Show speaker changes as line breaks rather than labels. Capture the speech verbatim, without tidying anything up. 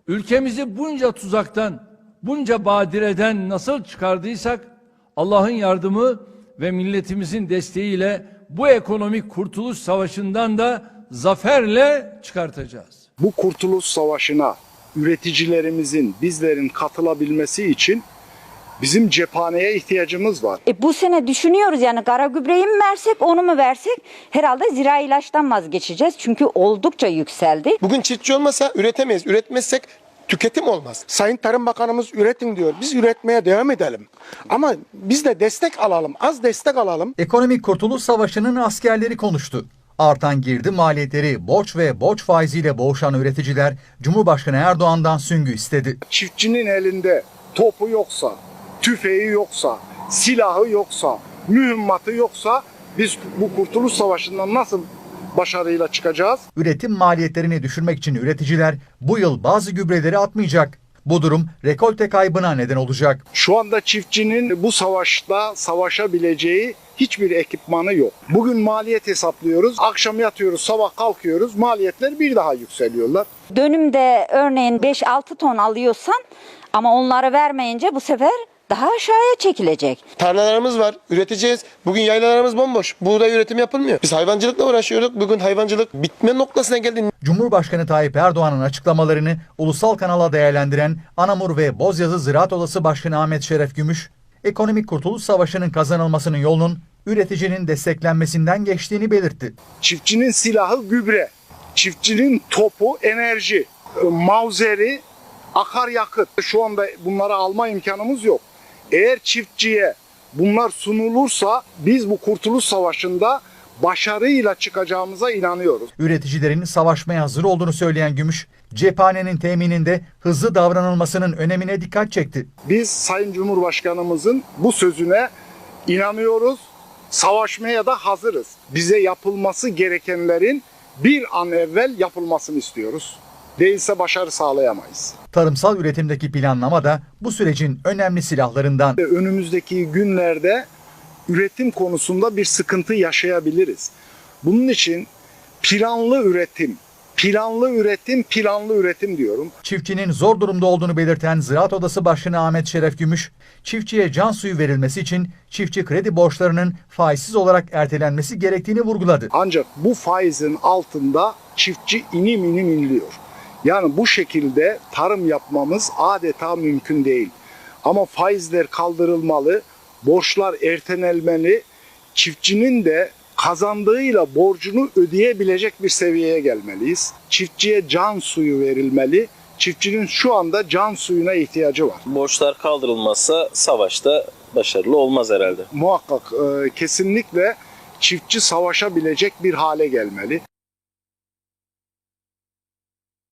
Ülkemizi bunca tuzaktan, bunca badireden nasıl çıkardıysak Allah'ın yardımı ve milletimizin desteğiyle bu ekonomik kurtuluş savaşından da zaferle çıkartacağız.
Bu kurtuluş savaşına üreticilerimizin, bizlerin katılabilmesi için bizim cephaneye ihtiyacımız var.
E bu sene düşünüyoruz yani kara gübreyi mi versek, onu mu versek? Herhalde zirai ilaçtan vazgeçeceğiz çünkü oldukça yükseldi.
Bugün çiftçi olmasa üretemeyiz. Üretmezsek tüketim olmaz.
Sayın Tarım Bakanımız üretin diyor. Biz üretmeye devam edelim. Ama biz de destek alalım. Az destek alalım.
Ekonomik Kurtuluş Savaşı'nın askerleri konuştu. Artan girdi maliyetleri, borç ve borç faiziyle boğuşan üreticiler Cumhurbaşkanı Erdoğan'dan süngü istedi.
Çiftçinin elinde topu yoksa, tüfeği yoksa, silahı yoksa, mühimmatı yoksa biz bu kurtuluş savaşından nasıl başarıyla çıkacağız?
Üretim maliyetlerini düşürmek için üreticiler bu yıl bazı gübreleri atmayacak. Bu durum rekolte kaybına neden olacak.
Şu anda çiftçinin bu savaşta savaşabileceği hiçbir ekipmanı yok. Bugün maliyet hesaplıyoruz, akşam yatıyoruz, sabah kalkıyoruz, maliyetler bir daha yükseliyorlar.
Dönümde örneğin beş altı ton alıyorsan ama onları vermeyince bu sefer daha aşağıya çekilecek.
Tarlalarımız var, üreteceğiz. Bugün yaylalarımız bomboş. Buğday üretim yapılmıyor. Biz hayvancılıkla uğraşıyorduk. Bugün hayvancılık bitme noktasına geldi.
Cumhurbaşkanı Tayyip Erdoğan'ın açıklamalarını ulusal kanala değerlendiren Anamur ve Bozyazı Ziraat Odası Başkanı Ahmet Şeref Gümüş, ekonomik kurtuluş savaşının kazanılmasının yolunun üreticinin desteklenmesinden geçtiğini belirtti.
Çiftçinin silahı gübre, çiftçinin topu enerji, mavzeri akaryakıt. Şu anda bunları alma imkanımız yok. Eğer çiftçiye bunlar sunulursa biz bu kurtuluş savaşında başarıyla çıkacağımıza inanıyoruz.
Üreticilerin savaşmaya hazır olduğunu söyleyen Gümüş, cephanenin temininde hızlı davranılmasının önemine dikkat çekti.
Biz Sayın Cumhurbaşkanımızın bu sözüne inanıyoruz. Savaşmaya da hazırız. Bize yapılması gerekenlerin bir an evvel yapılmasını istiyoruz. Değilse başarı sağlayamayız.
Tarımsal üretimdeki planlama da bu sürecin önemli silahlarından.
Önümüzdeki günlerde üretim konusunda bir sıkıntı yaşayabiliriz. Bunun için planlı üretim, planlı üretim, planlı üretim diyorum.
Çiftçinin zor durumda olduğunu belirten Ziraat Odası Başkanı Ahmet Şeref Gümüş, çiftçiye can suyu verilmesi için çiftçi kredi borçlarının faizsiz olarak ertelenmesi gerektiğini vurguladı.
Ancak bu faizin altında çiftçi inim inim inliyor. Yani bu şekilde tarım yapmamız adeta mümkün değil. Ama faizler kaldırılmalı, borçlar ertelenmeli, çiftçinin de kazandığıyla borcunu ödeyebilecek bir seviyeye gelmeliyiz. Çiftçiye can suyu verilmeli. Çiftçinin şu anda can suyuna ihtiyacı var.
Borçlar kaldırılmazsa savaşta başarılı olmaz herhalde.
Muhakkak e, kesinlikle çiftçi savaşabilecek bir hale gelmeli.